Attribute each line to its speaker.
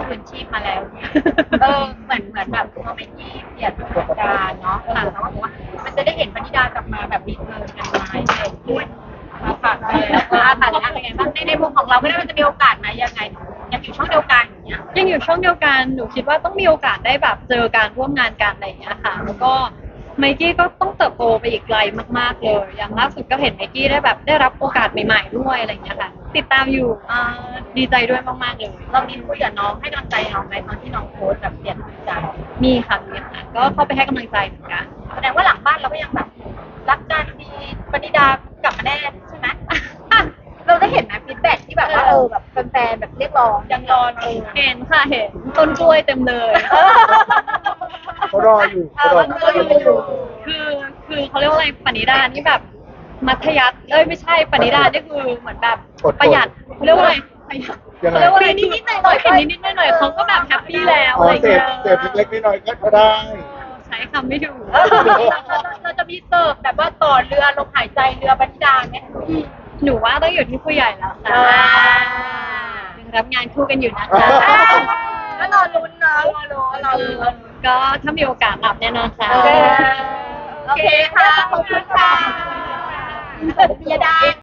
Speaker 1: คืนชีพมาแล้วเนี่ยเหมือนแบบพอเป็นที่เปลี่ยนผู้จัดการเนาะค่ะแล้วก็บอกว่ามันจะได้เห็นปณิดากลับมาแบบรีเทิร์นกันไหมอะไรด้วยมาฝากเลยค่ะอะไรไงบ้างในมุมของเราไม่ได้มันจะมีโอกาสไหมยังไงยังอยู่ช่องเดียวกันอย่างเงี้ย
Speaker 2: ยังอยู่ช่องเดียวกันหนูคิดว่าต้องมีโอกาสได้แบบเจอการร่วมงานกันอะไรอย่างเงี้ยค่ะแล้วก็ไมกี้ก็ต้องเติบโตไปอีกไกลมากๆเลยอย่างล่าสุดก็เห็นไมกี้ได้แบบได้รับโอกาสใหม่ๆด้วยอะไรอย่างเงี้ยค่ะติดตามอยู่ดีใจด้วยมากๆเลย
Speaker 1: เรามีคุยกับน้องให้กำลังใจน้องไหมตอนที่น้องโพสต์แบบเปลี่ยนใจ
Speaker 2: มีค่ะก็เข้าไปให้กำลังใจเหมือนกัน
Speaker 1: แสดงว่าหลังบ้านเราก็ยังแบบรักกันมีปณิดากลับมาแน่ใช่ไหมเราได้เห็นไหมฟีดแบ็กที่แบบว่าแบบแฟนๆแบบเรียกร้องยังรอ
Speaker 2: เห็นค่ะเห็นต้นกล้วยเต็มเลย
Speaker 3: เขารออยู่
Speaker 2: คือเขาเรียกว่าอะไรปณิดานี่แบบมัธยัสถ์ไม่ใช่ปณิดานี่คือเหมือนแบบประหยัดเขาเรียกว่าอะไรเขาเรียกว่าอะไรนิดๆหน่อยๆนิดๆหน่อยๆเขาก็แบบแฮปปี้แล้วอะไร
Speaker 3: เส
Speaker 2: เงี้ย
Speaker 3: พเล็กๆน้อยๆก็ได้
Speaker 2: ใช้คำไม่ถูก
Speaker 1: เราจะมีเสิร์ฟแบบว่าต่อเรือลมหายใจเรือปณิดาไหม
Speaker 2: หนูว่าต้องอยู่ที่ผู้ใหญ่แล้วค่ะยังรับงานคู่กันอยู่นะคะ
Speaker 1: ก็รอลุ้นนะรอลุ้น
Speaker 2: ก็ถ้ามีโอกาสรับแน่นอนค่ะ
Speaker 1: โอเคค่ะขอบคุณค่ะเปิดเบียร์ได้